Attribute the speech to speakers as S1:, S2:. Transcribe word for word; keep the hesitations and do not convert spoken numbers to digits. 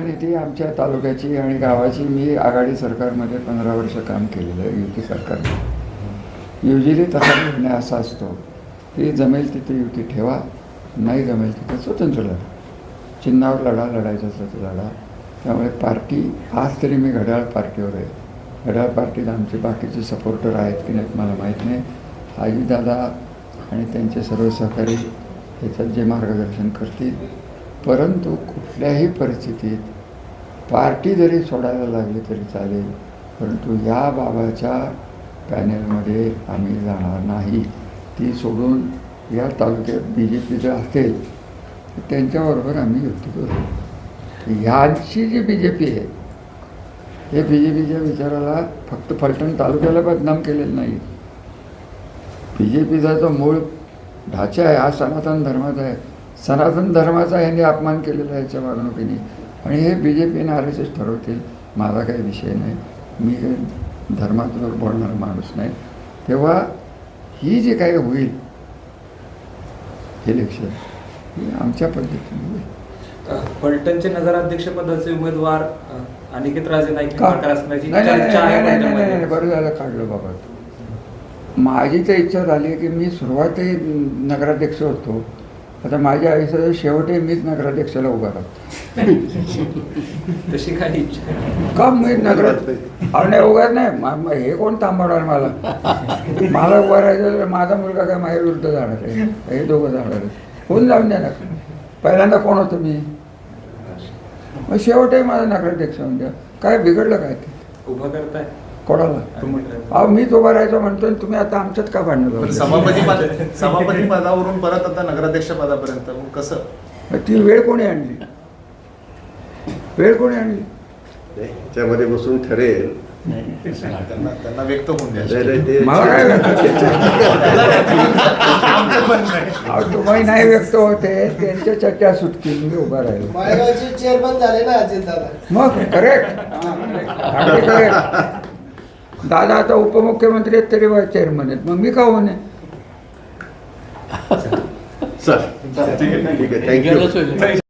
S1: ती आमच्या तालुक्याची आणि गावाची मी आघाडी सरकारमध्ये पंधरा वर्ष काम केलेलं आहे युती सरकारने. युजली तसा निर्णय असा असतो की जमेल तिथे युती ठेवा, नाही जमेल तिथे स्वतंत्र लढा, चिन्हावर लढा, लढायचं असं तर लढा. त्यामुळे पार्टी आज तरी मी घड्याळ पार्टीवर आहे. घड्याळ पार्टीत आमचे बाकीचे सपोर्टर आहेत की नाहीत मला माहीत नाही. आजीदादा आणि त्यांचे सर्व सहकारी ह्याच्यात जे मार्गदर्शन करतील, परंतु कुठल्याही परिस्थितीत पार्टी जरी सोडायला लागली तरी चालेल, परंतु या बाबाच्या पॅनेलमध्ये आम्ही जाणार नाही. ती सोडून या तालुक्यात बी जे पी जर असेल तर त्यांच्याबरोबर आम्ही युती करू. ह्यांची जी बी जे पी आहे हे बी जे पीच्या विचाराला फक्त फलटण तालुक्याला बदनाम केलेलं नाही. बी जे पीचा जो मूळ ढाचा आहे हा सनातन धर्माचा आहे. सनातन धर्माचा ह्यांनी अपमान केलेला आहे याच्या वागणुकीने, आणि हे बी जे पीने आर एस एस ठरवतील. माझा काही विषय नाही, मी काही धर्मातून बोलणारा माणूस नाही. तेव्हा ही जे काही होईल इलेक्शन ही आमच्या पद्धतीने होईल.
S2: फलटणचे नगराध्यक्षपदाचे उमेदवार अनिकेत राजे नाईक
S1: का
S2: असण्याची
S1: नाही
S2: चर्चा आहे
S1: नाही नाही
S2: फलटणमध्ये.
S1: नाही बरं झालं काढलं बाबा. माझी तर इच्छा झाली की मी सुरुवातही नगराध्यक्ष होतो, आता माझ्या आयुष्याच्या शेवटही मीच नगराध्यक्षाला उभा राहतो.
S2: तशी काही इच्छा
S1: का मी नगराध्यक्ष नाही उगाच नाही. हे कोण थांबवणार मला? मला उभा राहायचं तर माझा मुलगा काय माझ्या विरुद्ध जाणार आहे, हे दोघं जाणार आहे. होऊन जाऊन द्या ना. पहिल्यांदा कोण होतो मी, मग शेवटही माझा नगराध्यक्ष होऊन द्या. काय बिघडलं काय ते
S2: उभं करताय
S1: कोणाला? अहो मीच उभा राहायचं म्हणतो, तुम्ही आता आमच्यात का भांडण?
S3: सभापती पद सभापती पदावरून परत आता नगराध्यक्ष पदापर्यंत मग कसं?
S1: ती वेळ कोणी आणली? वेळ कोणी आणली?
S4: त्याच्यामध्ये बसून ठरेल.
S3: त्यांना त्यांना व्यक्त होऊन द्या.
S1: मला काय अहो तुम्ही नाही व्यक्त होते, त्यांच्या चर्चा सुटतील, मी उभा राहिलो.
S5: माळेगावचे चेअरमन झाले ना अजित दादा.
S1: मग करेक्ट करेक्ट. दादा आता उपमुख्यमंत्री आहेत तरी चेअरमन आहेत, मग मी का होणे?
S4: सर ठीक आहे, थँक्यू.